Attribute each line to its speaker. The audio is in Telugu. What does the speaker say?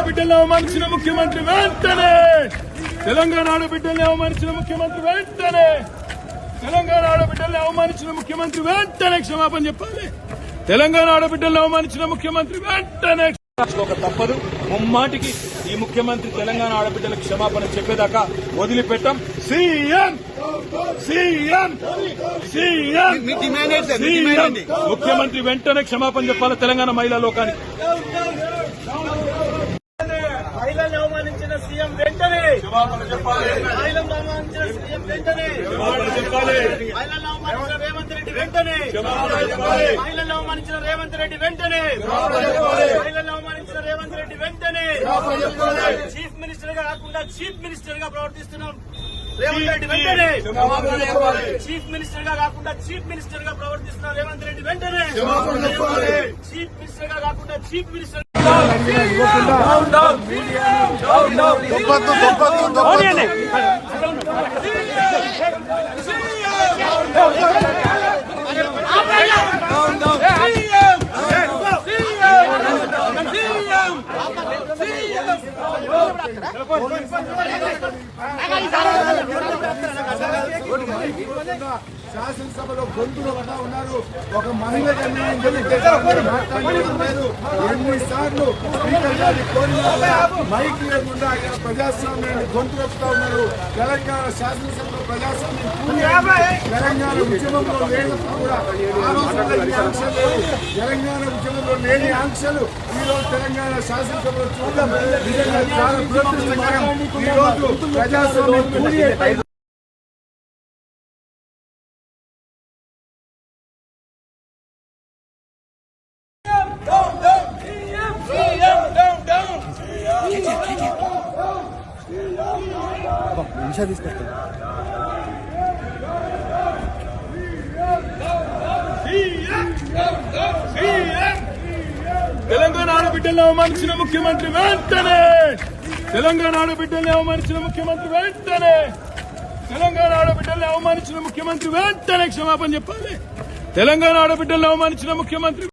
Speaker 1: ఆడబిడ్డలను అవమానించిన ముఖ్యమంత్రి వెంటనే తెలంగాణ ఆడబిడ్డల్ని అవమానించిన ముఖ్యమంత్రి వెంటనే తెలంగాణ ఆడబిడ్డల్ని అవమానించిన ముఖ్యమంత్రి వెంటనే క్షమాపణ చెప్పాలి. తెలంగాణ ఆడబిడ్డల్ని అవమానించిన ముఖ్యమంత్రి వెంటనే ఒక తప్పదు. ముమ్మాటికి ఈ ముఖ్యమంత్రి తెలంగాణ ఆడబిడ్డలకు క్షమాపణ చెప్పేదాకా వదిలిపెట్టాం. సీఎం సీఎం సీఎం ముఖ్యమంత్రి వెంటనే క్షమాపణ చెప్పాలి తెలంగాణ మహిళా లోకానికి.
Speaker 2: మహిళలను అవమానించిన సీఎం వెంటనే
Speaker 1: క్షమాపణ చెప్పాలి.
Speaker 2: మహిళలను అవమానించిన సీఎం వెంటనే
Speaker 1: క్షమాపణ చెప్పాలి.
Speaker 2: మహిళలను అవమానించిన రేవంత్ రెడ్డి వెంటనే
Speaker 1: క్షమాపణ చెప్పాలి.
Speaker 2: మహిళలను అవమానించిన రేవంత్ రెడ్డి వెంటనే మహిళలను అవమానించిన రేవంత్ రెడ్డి వెంటనే చీఫ్ మినిస్టర్ గా కాకుండా చీఫ్ మినిస్టర్ గా ప్రవర్తిస్తున్నాం రేవంత్ రెడ్డి వెంటనే చీఫ్ మినిస్టర్ గా కాకుండా చీఫ్ మినిస్టర్ గా ప్రవర్తిస్తున్నాం రేవంత్ రెడ్డి వెంటనే చీఫ్ మినిస్టర్ గా కాకుండా చీఫ్ మినిస్టర్
Speaker 3: శాసనసభలో గొంతులు పడతా ఉన్నారు. ఒక మహిళకు అన్యాయం జరిగితే మాట్లాడలేదు. ఎన్నిసార్లు స్పీకర్ గారిని కోరినా మైక్ లేకుండా ఆయన ప్రజాస్వామ్యాన్ని గొంతు వస్తా ఉన్నారు. తెలంగాణ శాసనసభలో ప్రజాస్వామ్యం తెలంగాణ ఉద్యమంలో లేనప్పుడు కూడా ఆ రోజుల్లో ఈ ఆంక్షలు లేవు. తెలంగాణ ఉద్యమంలో లేని ఆంక్షలు ఈ రోజు తెలంగాణ శాసనసభలో చూడడం నిజంగా చాలా దురదృష్టకరం. ఈ రోజు ప్రజాస్వామ్యం
Speaker 1: తెలంగాణ ఆడబిడ్డలను అవమానించిన ముఖ్యమంత్రి వెంటనే తెలంగాణ ఆడబిడ్డల్ని అవమానించిన ముఖ్యమంత్రి వెంటనే తెలంగాణ ఆడబిడ్డల్ని అవమానించిన ముఖ్యమంత్రి వెంటనే క్షమాపణ చెప్పాలి. తెలంగాణ ఆడబిడ్డల్ని అవమానించిన ముఖ్యమంత్రి